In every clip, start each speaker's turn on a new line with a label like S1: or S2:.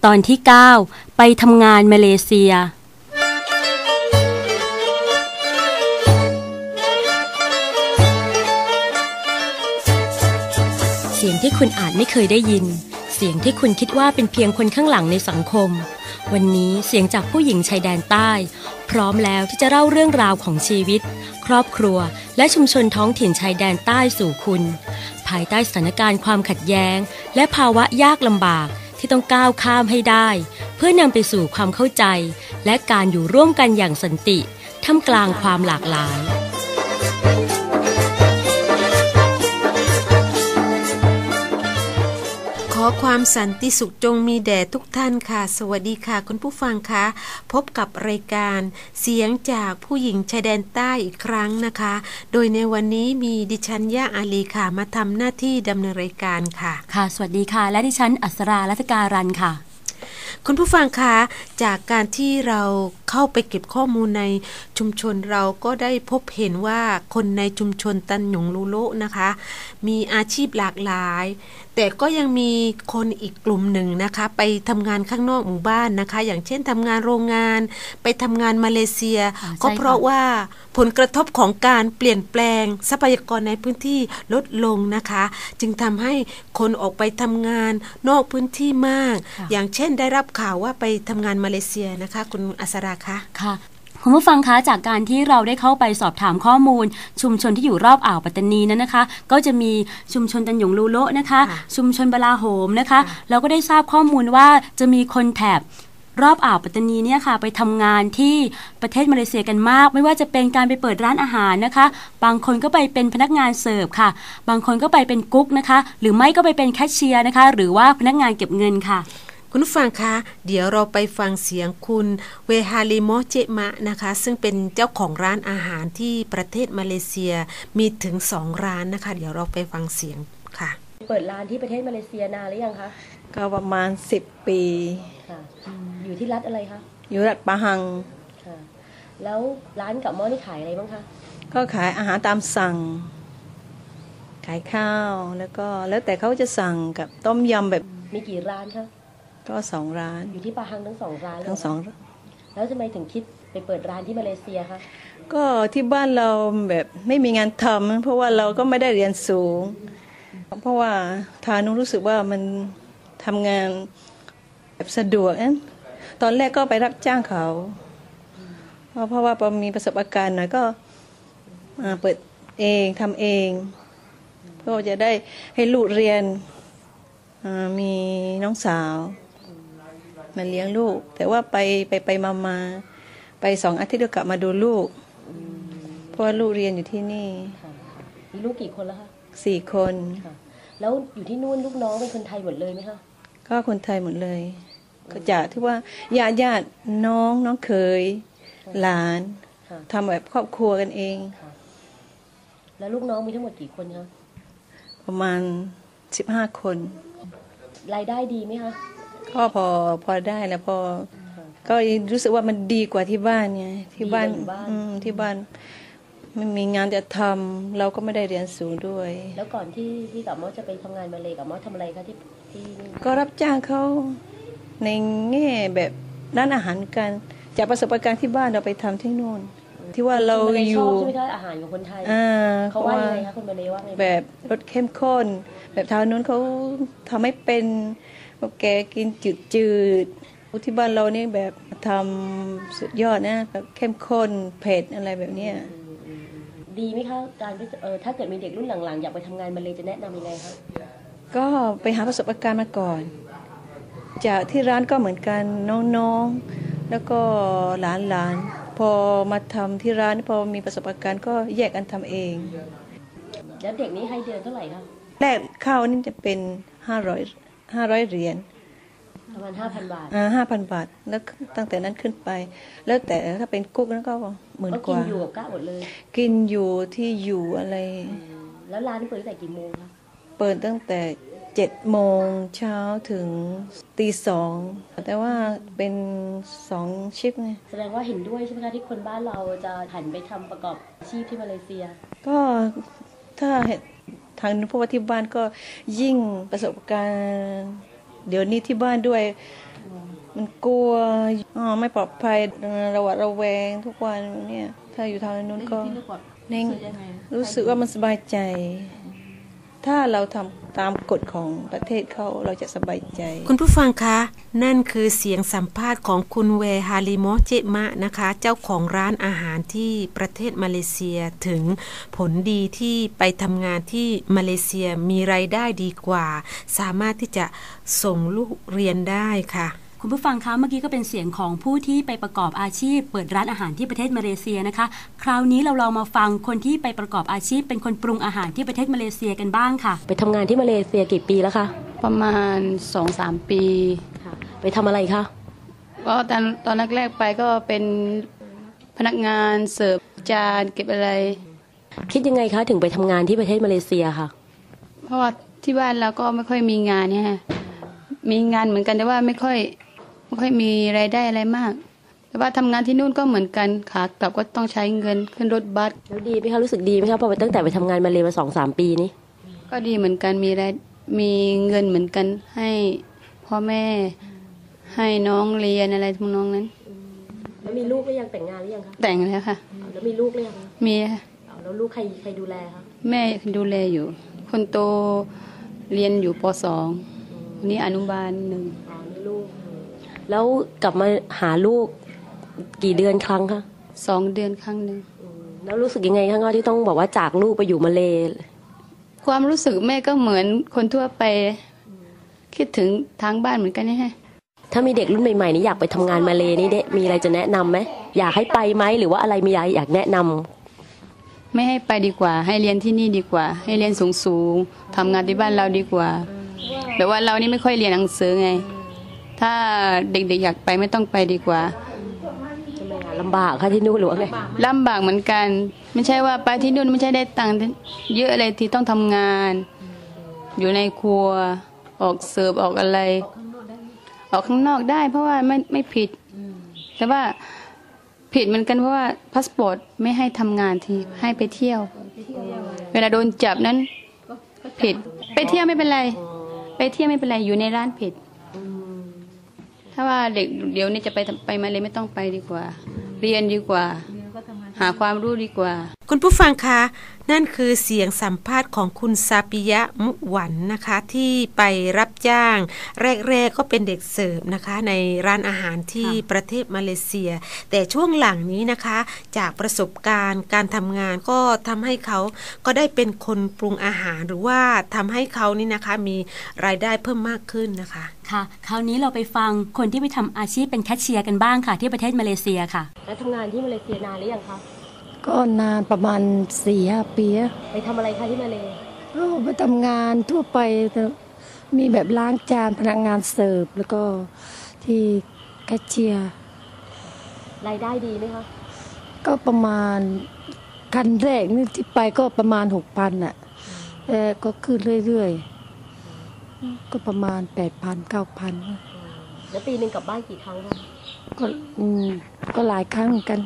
S1: ตอนที่ 9 ไปทำงานมาเลเซียเสียงที่คุณอาจไม่เคยได้ยินเสียงที่คุณคิดว่าเป็นเพียงคนข้างหลังในสังคมวันนี้เสียงจากผู้หญิงชายแดนใต้พร้อมแล้วที่จะเล่าเรื่องราวของชีวิตครอบครัวและชุมชนท้องถิ่นชายแดนใต้สู่คุณภายใต้สถานการณ์ความขัดแย้งและภาวะยากลำบากที่ต้องก้าวข้ามให้ได้เพื่อนำไปสู่ความเข้าใจและการอยู่ร่วมกันอย่างสันติท่ามกลางความหลากหลาย
S2: ขอความสันติสุขจงมีแด่ทุกท่านค่ะสวัสดีค่ะคุณผู้ฟังคะพบกับรายการเสียงจากผู้หญิงชายแดนใต้อีกครั้งนะคะโดยในวันนี้มีดิฉันย่าอาลีค่ะมาทำหน้าที่ดำเนินรายการค่ะ
S1: ค่ะสวัสดีค่ะและดิฉันอัศรารัตการันค่ะ
S2: คุณผู้ฟังคะจากการที่เราเข้าไปเก็บข้อมูลในชุมชนเราก็ได้พบเห็นว่าคนในชุมชนตันหยงลูโลนะคะมีอาชีพหลากหลายแต่ก็ยังมีคนอีกกลุ่มหนึ่งนะคะไปทำงานข้างนอกหมู่บ้านนะคะอย่างเช่นทำงานโรงงานไปทำงานมาเลเซียก็เพราะว่าผลกระทบของการเปลี่ยนแปลงทรัพยากรในพื้นที่ลดลงนะคะจึงทำให้คนออกไปทำงานนอกพื้นที่มากอย่างเช่นได้รับข่าวว่าไปทำงานมาเลเซียนะคะคุณอัศราคะ
S1: ค่ะคุณผู้ฟังคะจากการที่เราได้เข้าไปสอบถามข้อมูลชุมชนที่อยู่รอบอ่าวปัตตานีนั้นนะคะก็จะมีชุมชนตันหยงลูโลนะคะชุมชนบลาโหมนะคะเราก็ได้ทราบข้อมูลว่าจะมีคนแถบรอบอ่าวปัตตานีเนี่ยค่ะไปทำงานที่ประเทศมาเลเซียกันมากไม่ว่าจะเป็นการไปเปิดร้านอาหารนะคะบางคนก็ไปเป็นพนักงานเสิร์ฟค่ะบางคนก็ไปเป็นกุ๊กนะคะหรือไม่ก็ไปเป็นแคชเชียร์นะคะหรือว่าพนักงานเก็บเงินค่ะ
S2: คุณผู้ฟังคะเดี๋ยวเราไปฟังเสียงคุณเวฮาลิโมเจมะนะคะซึ่งเป็นเจ้าของร้านอาหารที่ประเทศมาเลเซียมีถึง2ร้านนะคะเดี๋ยวเราไปฟังเสียงค่ะ
S1: เปิดร้านที่ประเทศมาเลเซียนานหรือยังคะ
S3: ก็ประมาณ10 ปี
S1: ค่ะอยู่ที่รัฐอะไรคะ
S3: อยู่รัฐปะฮัง
S1: ค่ะแล้วร้านกับหม้อนี่ขายอะไรบ้างคะ
S3: ก็ขายอาหารตามสั่งขายข้าวแล้วแต่เขาจะสั่งกับต้มยำแบบ
S1: มีกี่ร้านคะ
S3: ก็2ร้าน
S1: อยู่ที่ปาฮังทั้ง2ร้าน
S3: ทั้ง2
S1: แล้วทำไมถึงคิดไปเปิดร้านที่มาเลเซียคะ
S3: ก็ที่บ้านเราแบบไม่มีงานทำเพราะว่าเราก็ไม่ได้เรียนสูงเพราะว่าทานุรู้สึกว่ามันทำงานแบบสะดวกตอนแรกก็ไปรับจ้างเขาเพราะว่าพอมีประสบการณ์หน่อยก็เปิดเองทำเองเพื่อจะได้ให้ลูกเรียนมีน้องสาวมาเลี้ยงลูกแต่ว่าไปมาไป2 อาทิตย์ก็กลับมาดูลูกเพราะว่าลูกเรียนอยู่ที่นี่
S1: มีลูกกี่คนแล้วคะ
S3: 4 คน
S1: แล้วอยู่ที่นู่นลูกน้องเป็นคนไทยหมดเลยไหมคะ
S3: ก็คนไทยหมดเลยก็จากที่ว่าญาติน้องเขยหลานทำแบบครอบครัวกันเอง
S1: แล้วลูกน้องมีทั้งหมดกี่คนคะ
S3: ประมาณ15 คน
S1: รายได้ดีไหมคะ
S3: ก็พอได้แล้วพอก็รู้สึกว่ามันดีกว่าที่บ้านไงที่บ้านไม่มีงานจะทำเราก็ไม่ได้เรียนสูงด้วย
S1: แล้วก่อนที่กับมอจะไปทำงานมาเลยกับมอทำอะไรคะที่
S3: ก็รับจ้างเขาในแง่แบบร้านอาหารกันจากประสบการณ์ที่บ้านเราไปทำที่นู่นที่ว่าเราอยู่
S1: ใช่ไหมคะอาหารของคนไทยเขาว่ายังไงคะคนมาเลว่าไง
S3: แบบรสเข้มข้นแบบทางนู้นเขาทำให้เป็นแกกินจืดที่บ้านเราเนี่ยแบบทำสุดยอดนะแบบเข้มข้นเผ็ดอะไรแบบเนี้ย
S1: ดีไหมคะการถ้าเกิดมีเด็กรุ่นหลังๆอยากไปทำงานมาเลยจะแนะนำยังไงคะ
S3: ก็ไปหาประสบการณ์มาก่อนจากที่ร้านก็เหมือนกันน้องๆแล้วก็หลานพอมาทำที่ร้านพอมีประสบการณ์ก็แยกกันทำเอง
S1: แล้วเด็กนี้ให้เดือนเท่าไหร่คะ
S3: แรกข้าวนี่จะเป็น500เหรียญ
S1: ประมาณ 5,000 บาท
S3: 5,000 บาทแล้วตั้งแต่นั้นขึ้นไปแล้วแต่ถ้าเป็นกุ๊กนั้นก็10,000 กว่า
S1: กินอยู่กับกะหมดเลย
S3: กินอยู่ที่อยู่อะไร
S1: แล้วร้านเปิดตั้งแต่กี่โมงคะ
S3: เปิดตั้งแต่7 โมงเช้าถึงตี 2แต่ว่าเป็น2 ชิฟไง
S1: แสดงว่าเห็นด้วยใช่ไหมคะที่คนบ้านเราจะหันไปทำประกอบอาชีพที่มาเลเซีย
S3: ก็ถ้าทางนู้นเพราะว่าที่บ้านก็ยิ่งประสบการณ์เดี๋ยวนี้ที่บ้านด้วยมันกลัวไม่ปลอดภัยระหวาดระแวงทุกวันเนี่ยถ้าอยู่ทางนู้นก็รู้สึกว่ามันสบายใจถ้าเราทำตามกฎของประเทศเขาเราจะสบายใจ
S2: คุณผู้ฟังคะนั่นคือเสียงสัมภาษณ์ของคุณเวฮาลิโมเจมะนะคะเจ้าของร้านอาหารที่ประเทศมาเลเซียถึงผลดีที่ไปทำงานที่มาเลเซียมีรายได้ดีกว่าสามารถที่จะส่งลูกเรียนได้ค่ะ
S1: คุณผู้ฟังคะเมื่อกี้ก็เป็นเสียงของผู้ที่ไปประกอบอาชีพเปิดร้านอาหารที่ประเทศมาเลเซียนะคะคราวนี้เราลองมาฟังคนที่ไปประกอบอาชีพเป็นคนปรุงอาหารที่ประเทศมาเลเซียกันบ้างค่ะไปทำงานที่มาเลเซียกี่ปีแล้วคะ
S4: ประมาณ 2-3 ปี
S1: ไปทำอะไรคะ
S4: ก็ตอนแรกๆไปก็เป็นพนักงานเสิร์ฟจานเก็บอะไร
S1: คิดยังไงคะถึงไปทำงานที่ประเทศมาเลเซียค่ะ
S4: เพราะว่าที่บ้านเราก็ไม่ค่อยมีงานเนี่ยมีงานเหมือนกันแต่ว่าไม่ค่อยมีรายได้อะไรมากแต่ว่าทำงานที่นู่นก็เหมือนกันขากลับก็ต้องใช้เงินขึ้นรถบัส
S1: แล้วดีไหมคะรู้สึกดีไหมคะพอตั้งแต่ไปทำงานมาเลมา 2-3 ปีนี้
S4: ก็ดีเหมือนกันมีเงินเหมือนกันให้พ่อแม่ให้น้องเรียนอะไรทุกน้องนั้น
S1: แล้วมีลูกหรือยังแต่งงานหรือยังคะ
S4: แต่งแล้วค่ะ
S1: แล้วมีลูกหรือยัง
S4: มีค่ะ
S1: แล้วลูกใครดูแลคะ
S4: แม่ดูแลอยู่คนโตเรียนอยู่ป.2 นี่อนุบาล1
S1: นี่ลูกแล้วกลับมาหาลูกกี่เดือนครั้งคะ
S4: 2 เดือนครั้งนึง
S1: แล้วรู้สึกยังไงคะที่ต้องบอกว่าจากลูกไปอยู่มาเล
S4: ความรู้สึกแม่ก็เหมือนคนทั่วไปคิดถึงทางบ้านเหมือนกันนี่ฮะ
S1: ถ้ามีเด็กรุ่นใหม่ๆนี่อยากไปทำงานมาเลนี่เด็กมีอะไรจะแนะนำไหมอยากให้ไปไหมหรือว่าอะไรมีอยากแนะนำ
S4: ไม่ให้ไปดีกว่าให้เรียนที่นี่ดีกว่าให้เรียนสูงๆทำงานที่บ้านเราดีกว่าแต่ว่าเรานี่ไม่ค่อยเรียนหนังสือไงถ้าเด็กๆอยากไปไม่ต้องไปดีกว่า
S1: ลำบากค่ะที่นู่นหรือว่าไง
S4: ลำบากเหมือนกันไม่ใช่ว่าไปที่นู่นไม่ใช่ได้ตังค์เยอะอะไรที่ต้องทำงานอยู่ในครัวออกเสิร์ฟออกอะไรออกข้างนอกได้เพราะว่าไม่ผิดแต่ว่าผิดเหมือนกันเพราะว่าพาสปอร์ตไม่ให้ทำงานทีให้ไปเที่ยวเวลาโดนจับนั้นผิดไปเที่ยวไม่เป็นไรไปเที่ยวไม่เป็นไรอยู่ในร้านผิดถ้าว่าเด็กเดี๋ยวนี้จะไปมาเลยไม่ต้องไปดีกว่าเรียนดีกว่าหาความรู้ดีกว่า
S2: คุณผู้ฟังคะนั่นคือเสียงสัมภาษณ์ของคุณซาปิยะมุหวันนะคะที่ไปรับจ้างแรกๆก็เป็นเด็กเสิร์ฟนะคะในร้านอาหารที่ประเทศมาเลเซียแต่ช่วงหลังนี้นะคะจากประสบการณ์การทำงานก็ทำให้เขาก็ได้เป็นคนปรุงอาหารหรือว่าทำให้เขานี่นะคะมีรายได้เพิ่มมากขึ้นนะคะ
S1: ค่ะคราวนี้เราไปฟังคนที่ไปทำอาชีพเป็นแคชเชียร์กันบ้างค่ะที่ประเทศมาเลเซียค่ะแล้วทำงานที่มาเลเซียนานหรือยังคะ
S5: ก็นานประมาณ 4-5 ปี
S1: ไปทำอะไรคะที่มาเล
S5: ไปทำงานทั่วไปมีแบบล้างจานพนักงานเสิร์ฟแล้วก็ที่แคชเชียร์
S1: รายได้ดีไหมคะ
S5: ก็ประมาณคันแรกนี่ที่ไปก็ประมาณ 6,000 น่ะก็ขึ้นเรื่อยๆก็ประมาณ 8,000 9,000
S1: แล้วปีนึงกลับบ้านกี่ครั้งคะ
S5: ก็หลายครั้งเหมือนกัน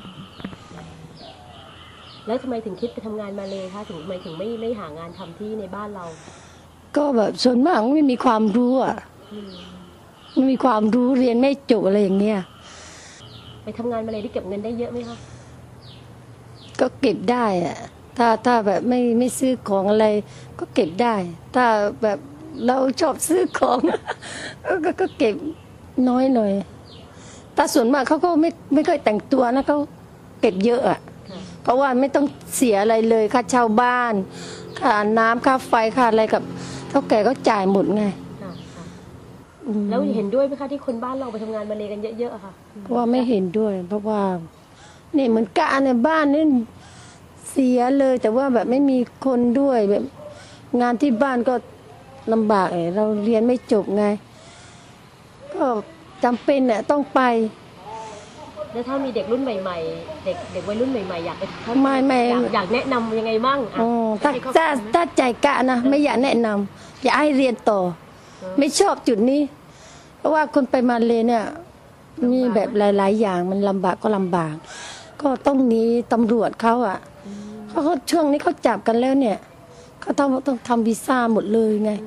S1: แล้วทำไมถึงคิดไปทำงานมาเลยคะทำไมถึงไม่หางานทำที่ในบ้านเรา
S5: ก็แบบส่วนมากไม่มีความรู้ไม่มีความรู้เรียนไม่จบอะไรอย่างเงี้ย
S1: ไปทำงานมาเลยได้เก็บเงินได้เยอะไหมคะ
S5: ก็เก็บได้อะถ้าแบบไม่ซื้อของอะไรก็เก็บได้ถ้าแบบเราชอบซื้อของก็เก็บน้อยหน่อยแต่ส่วนมากเขาก็ไม่ค่อยแต่งตัวนะเขาเก็บเยอะอะเพราะว่าไม่ต้องเสียอะไรเลยค่าเช่าบ้านค่าน้ำค่าไฟค่าอะไรกับเท่าแก่ก็จ่ายหมดไง
S1: แล้วเห็นด้วยไหมคะที่คนบ้านเราไปทำงานมาเลกันเยอะๆค่ะ
S5: เพราะว่าไม่เห็นด้วยเพราะว่านี่เหมือนการในบ้านนี่เสียเลยแต่ว่าแบบไม่มีคนด้วยแบบงานที่บ้านก็ลำบากเราเรียนไม่จบไงก็จำเป็นเนี่ยต้องไป
S1: แล้วถ้ามีเด็กรุ่นใหม่ๆเด็กวัยรุ่นใหม่ๆอยากไป
S5: ไม่
S1: อยากแนะนำยังไงบ้าง
S5: ถ้าใจกะนะไม่อยากแนะนำอยากให้เรียนต่อไม่ชอบจุดนี้เพราะว่าคนไปมาเลเนี่ยมีแบบหลายๆอย่างมันลำบากก็ลำบากก็ต้องหนีตำรวจเขาเขาช่วงนี้เขาจับกันแล้วเนี่ยเขาต้องทำวีซ่าหมดเลยไง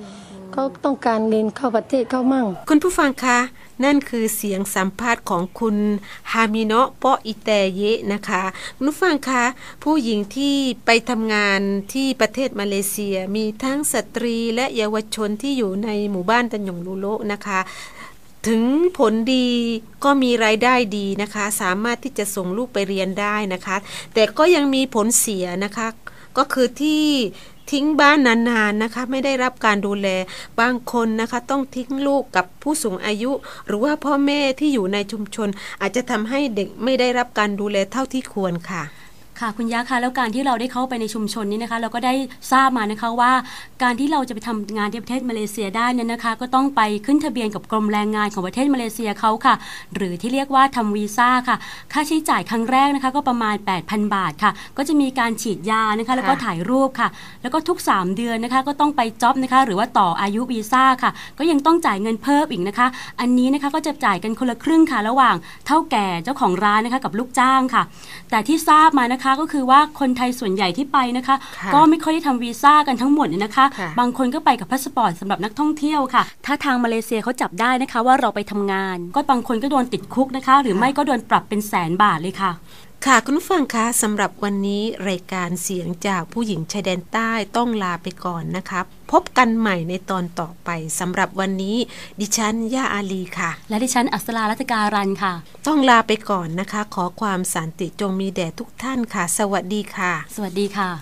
S5: เขาต้องการเงินเข้าประเทศเขามั่ง
S2: คุณผู้ฟังคะนั่นคือเสียงสัมภาษณ์ของคุณฮามิโนะเปาะอิแตเยะนะคะคุณผู้ฟังคะผู้หญิงที่ไปทำงานที่ประเทศมาเลเซียมีทั้งสตรีและเยาวชนที่อยู่ในหมู่บ้านตันหยงลูโลนะคะถึงผลดีก็มีรายได้ดีนะคะสามารถที่จะส่งลูกไปเรียนได้นะคะแต่ก็ยังมีผลเสียนะคะก็คือที่ทิ้งบ้านนานๆนะคะไม่ได้รับการดูแลบางคนนะคะต้องทิ้งลูกกับผู้สูงอายุหรือว่าพ่อแม่ที่อยู่ในชุมชนอาจจะทำให้เด็กไม่ได้รับการดูแลเท่าที่ควรค่ะ
S1: ค่ะคุณยะคะแล้วการที่เราได้เข้าไปในชุมชนนี้นะคะเราก็ได้ทราบมานะคะว่าการที่เราจะไปทำงานที่ประเทศมาเลเซียได้เนี่ยนะคะก็ต้องไปขึ้นทะเบียนกับกรมแรงงานของประเทศมาเลเซียเขาค่ะหรือที่เรียกว่าทำวีซ่าค่ะค่าใช้จ่ายครั้งแรกนะคะก็ประมาณ 8,000 บาทค่ะก็จะมีการฉีดยานะคะแล้วก็ถ่ายรูปค่ะแล้วก็ทุก3เดือนนะคะก็ต้องไปจ็อบนะคะหรือว่าต่ออายุวีซ่าค่ะก็ยังต้องจ่ายเงินเพิ่มอีกนะคะอันนี้นะคะก็จะจ่ายกันคนละครึ่งค่ะระหว่างเฒ่าแก่เจ้าของร้านนะคะกับลูกจ้างค่ะแต่ที่ทราบมานะคะก็คือว่าคนไทยส่วนใหญ่ที่ไปนะคะก็ไม่ค่อยได้ทำวีซ่ากันทั้งหมดนะคะบางคนก็ไปกับพาสปอร์ตสำหรับนักท่องเที่ยวค่ะถ้าทางมาเลเซียเขาจับได้นะคะว่าเราไปทำงานก็บางคนก็โดนติดคุกนะคะหรือไม่ก็โดนปรับเป็น100,000 บาทเลยค่ะ
S2: ค่ะคุณผู้ฟังคะสำหรับวันนี้รายการเสียงจากผู้หญิงชายแดนใต้ต้องลาไปก่อนนะคะพบกันใหม่ในตอนต่อไปสำหรับวันนี้ดิฉันย่าอาลีค่ะ
S1: และดิฉันอัศรารัตการันค่ะ
S2: ต้องลาไปก่อนนะคะขอความสันติจงมีแด่ทุกท่านค่ะสวัสดีค่ะ
S1: สวัสดีค่ะ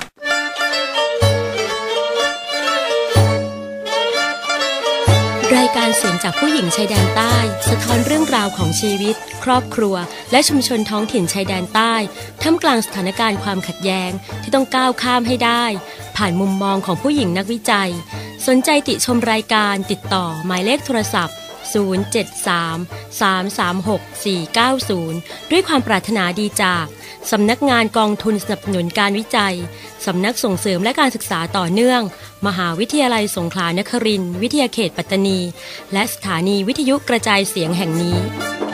S1: รายการเสียงจากผู้หญิงชายแดนใต้สะท้อนเรื่องราวของชีวิตครอบครัวและชุมชนท้องถิ่นชายแดนใต้ท่ามกลางสถานการณ์ความขัดแย้งที่ต้องก้าวข้ามให้ได้ผ่านมุมมองของผู้หญิงนักวิจัยสนใจติชมรายการติดต่อหมายเลขโทรศัพท์073-336-490ด้วยความปรารถนาดีจากสำนักงานกองทุนสนับสนุนการวิจัยสำนักส่งเสริมและการศึกษาต่อเนื่องมหาวิทยาลัยสงขลานครินทร์วิทยาเขตปัตตานีและสถานีวิทยุกระจายเสียงแห่งนี้